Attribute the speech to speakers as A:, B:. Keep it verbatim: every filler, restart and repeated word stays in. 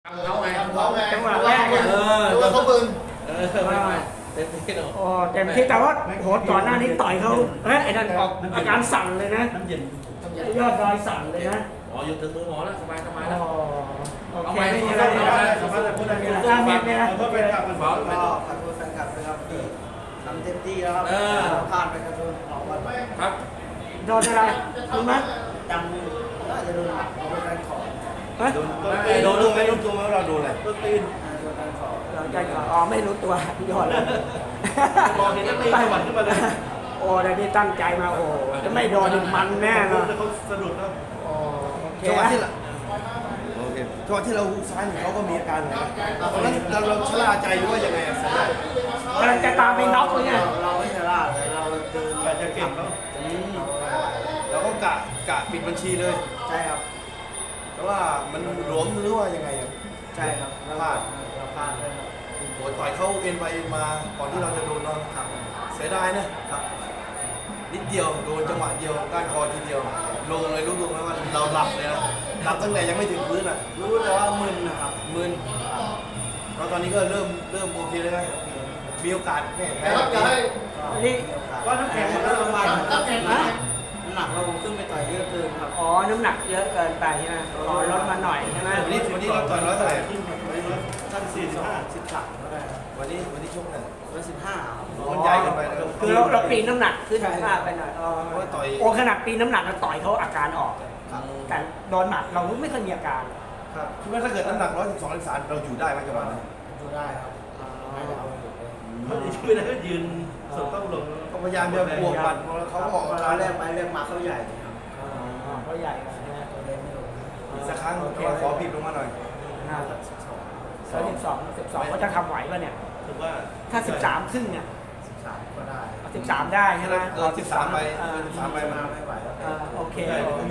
A: เขาไงเขาไง
B: จังหวะแรกเนี่ย
A: เออตัวเขาบึน
C: เออไม่ไม่เต็มที่หรอก
B: โอ้เต็มที่แต่ว่าโหก่อนหน้านี้ต่อยเขาเฮ้ยไอ้นั่นออกอาการสั่นเลยนะ
C: น้ำเย็น
B: ยอดดอยสั่นเลยนะ
C: อ๋ออยู่ถึงมือหมอแล้วสบายสบาย
B: โอ้
C: แล้ว
B: โอเคไม่มีอะไรเลยนะสบายๆพูดอะไรนะอ่ะมีเนี่ยนะ
C: เพื่อเป็นการเป็นฟ้าเป็น
D: ก็ขอโทษแฟนคลับนะครับที่ทำเต็มที่แล้วครับพลาดไปขอโทษออกวันไป
C: ครับ
B: โดนอะไรรู้ไหม
D: จำน่าจะโดนเอาไปการขอ
B: เฮ้ย
C: โดนโดนไม่รู้ตัวไหมว่าเราโดนอะไรโดนตีน
D: โดนการขอ
B: เราใจก่อนอ๋อไม่รู้ตัวยอดเลย
C: มองเห็นแล้วตีสวรรค์ขึ้นมาเลย
B: โอ้แต่นี่ตั้งใจมาโอ้จะไม่โดนมันแน่เลย
C: เขาสะดุดแล้ว
B: โอ้โอเค
A: จังหวะที่
B: นะ
A: เราโอเคจังหวะที่เราหุกซ้ายเขาก็มีอาการเหมือนกันตอนนั้นเราเราชะล่าใจหรือว่ายังไงอะ
B: กำลังจะตามไปน็อกเลยไง
D: เราไม่ชะล่าเลยเราเดิน
C: แต่จะเก่งเขา
A: เราก็กะกะปิดบัญชีเลย
D: ใช่ครับ
A: แต่ว่ามันหลวมหรือว่ายังไงอะ
D: ใช่ครับ
A: พลาด
D: เราพลาดเลยครับ
A: โอ้ยต่อยเข้าเอ็นไปเอ็นมาก่อนที่เราจะโดนเราครับเสียดายนะครับ นิดเดียวโดนจังหวะเดียวก้านคอทีเดียว ลงเลยรู้ตัวไหมว่าเราหลับเลยนะหลับตั้งแต่ยังไม่ถึงพื้นอ่ะ
D: รู้แต่ว่ามึนนะครับ
A: มึนแล้วตอนนี้ก็เริ่มเริ่มโอเคเลยนะมีโอกาสแพ้แพ้
B: นี่
D: ว่าน้ำแข็งมันประมาณน้ำแข็งนะน้ำหนักเราขึ้นไปต่อยเยอะเกินครับ
B: อ๋อน้ำหนักเยอะเกินไปใช่ไหมขอลดมาหน่อยใช่ไหม
A: วันนี้วันนี้เราต่อยร้อยเท่าไหร่
D: สั้นสี่สิบห้าสิบสามก็ได้
A: วันนี้วันนี้ชกเนี่ย
D: ร้อยสิบห้า
A: มันใหญ่เกินไปนะ
B: คือเราเราปีนน้ำหนักขึ้นมากไปหน่อยอ๋อ
A: เพราะว่าต่อย
B: โอ้ขนาดปีนน้ำหนักเราต่อยเขาอาการออก
D: ครับ
B: แต่โดนหมัดเราไม่เคยมีอาการ
D: ครับ
A: คิดว่าถ้าเกิดน้ำหนักร้อยสิบสองร้อยสามเราอยู่ได้ไหมจังหวะนั้น
D: ดูได้ครับไม่ได้เอาอยู่เลย
C: เขาไม่ได้ยืนสุดต้องลง
A: ก็พยายามจะบวกหมัดเขาก็ออกอา
D: เรา
A: การ
D: แรกไปแรกมาเขาใหญ่ครับ
B: อ๋อเขาใหญ่กว่านะ
D: ตัวเล็กไม่ลง
A: อีกสักครั้งขอผิดลงมาหน่อย
B: น่าจะสิบสองสิบสองสิบสองเขาจะทำไหวป่ะเนี่ย
C: ถือว่า
B: ถ้าสิบสามครึ่งเนี่ย
D: สิบสามก็ได้
B: สิบสามได้ใช่ไหม
A: เออสิบสามไป
B: เออ
A: สิบสามไป
D: มา
A: มา
D: ไม่ไหวแล้ว
B: เออโอเค
A: ใช่
B: โอเค